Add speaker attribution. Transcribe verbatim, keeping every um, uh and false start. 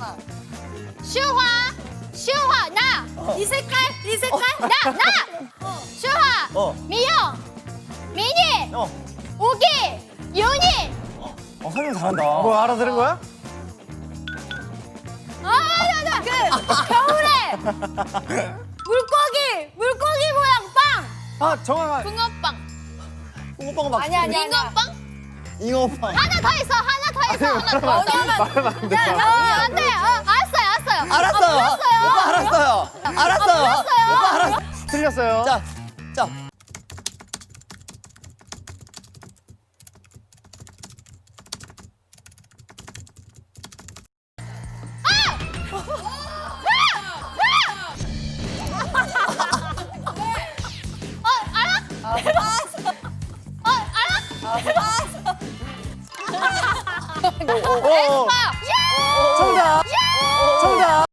Speaker 1: 슈화, 슈화, 나. 이 색깔, 이 색깔, 나, 나. 슈화,
Speaker 2: 어.
Speaker 1: 미영, 미니,
Speaker 2: 어.
Speaker 1: 우기, 윤이.
Speaker 2: 어, 설명 잘한다.
Speaker 3: 뭐 알아들은 거야?
Speaker 1: 아, 나, 나, 그 겨울에 물고기, 물고기 모양 빵.
Speaker 3: 아 정확한.
Speaker 1: 붕어빵.
Speaker 2: 붕어빵은 막.
Speaker 1: 아니야, 아니야. 잉어빵?
Speaker 2: 잉어빵.
Speaker 1: 하나 더 있어, 하나 더 있어, 하나 더 있어.
Speaker 3: 말하면 안 돼.
Speaker 1: 야, 야, 안 돼. 어, 알았어요, 알았어요.
Speaker 2: 알았어요.
Speaker 1: 아, 몰랐어요.
Speaker 2: 오빠 알았어요. 알았어요.
Speaker 1: 몰랐어요.
Speaker 2: 오빠 알았어.
Speaker 3: 틀렸어요.
Speaker 2: 자, 자.
Speaker 1: 어, 알아? 어, 알아?
Speaker 3: 오, 오, 오.